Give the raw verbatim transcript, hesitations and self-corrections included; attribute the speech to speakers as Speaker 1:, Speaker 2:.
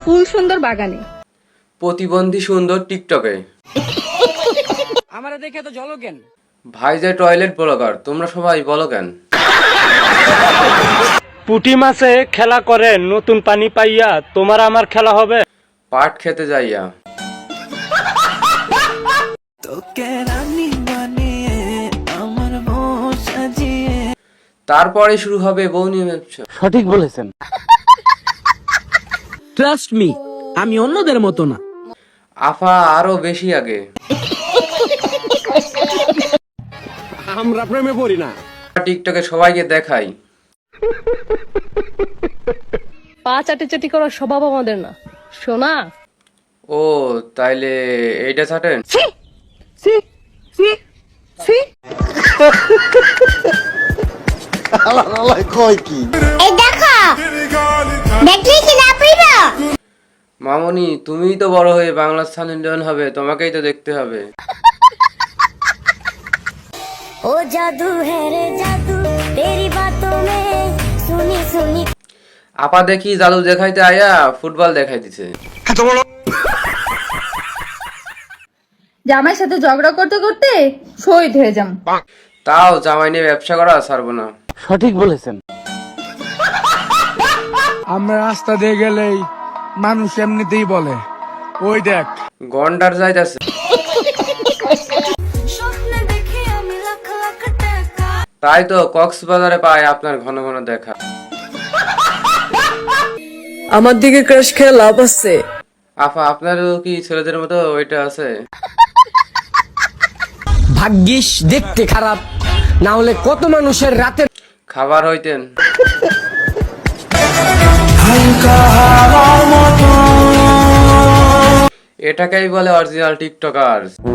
Speaker 1: ফুল সুন্দর বাগানে,
Speaker 2: প্রতিবন্ধী সুন্দর টিকটকে।
Speaker 3: আমারে দেখে তো জলো কেন?
Speaker 2: ভাই যে টয়লেট ব্লগার, তোমরা সবাই বলো কেন?
Speaker 4: পুঁটি মাছে খেলা করে নতুন পানি পাইয়া, তোমার আমার খেলা হবে
Speaker 2: পাট খেতে যাইয়া। তারপরে শুরু হবে বউ নিয়ে ব্যবসা।
Speaker 4: সঠিক বলেছেন।
Speaker 3: ট্রাস্ট মি, আমি অন্যদের মতো না।
Speaker 2: আফা আরো বেশি আগে।
Speaker 3: আমরা প্রেমে পড়ি না।
Speaker 2: টিকটকে সবাইকে দেখাই।
Speaker 1: পা চাটি চাটি করার স্বভাব আমাদের না, শোনা।
Speaker 2: ও তাইলে এইটা ছাটেন।
Speaker 1: সি সি সি
Speaker 5: এই দেখো, দেখলি কি না পাইবা?
Speaker 2: মামনি তুমিই তো বড় হয়ে বাংলা স্থান ইন্ডিয়ান হবে, তোমাকেই তো দেখতে হবে।
Speaker 5: ও জাদু है रे जादू तेरी बातों में सुनी सुनी।
Speaker 2: আপা দেখি জাদু দেখাইতে আয়া ফুটবল দেখাই দিছে।
Speaker 1: জামাইয়ের সাথে ঝগড়া করতে করতে শহীদ হয়ে যাম।
Speaker 2: তাও জামাই নিয়ে ব্যবসা করা ছাড়বো না।
Speaker 4: সঠিক বলেছেন।
Speaker 6: আমরা রাস্তা দিয়ে গেলেই মানুষ এমনিতেই বলে, ওই দেখ
Speaker 2: গন্ডার যাইতাছে। তাই তো কক্সবাজারে পায় আপনার ঘন ঘন দেখা।
Speaker 7: আমার দিকে ক্রাশ খেয়ে লাভ আছে?
Speaker 2: আফা আপনারও কি ছেলেদের মতো ওইটা আছে?
Speaker 3: ভাগ্যিস দেখতে খারাপ, না হলে কত মানুষের রাতে
Speaker 2: খাবার হইতেন। এটাকেই বলে অরিজিনাল টিকটকার।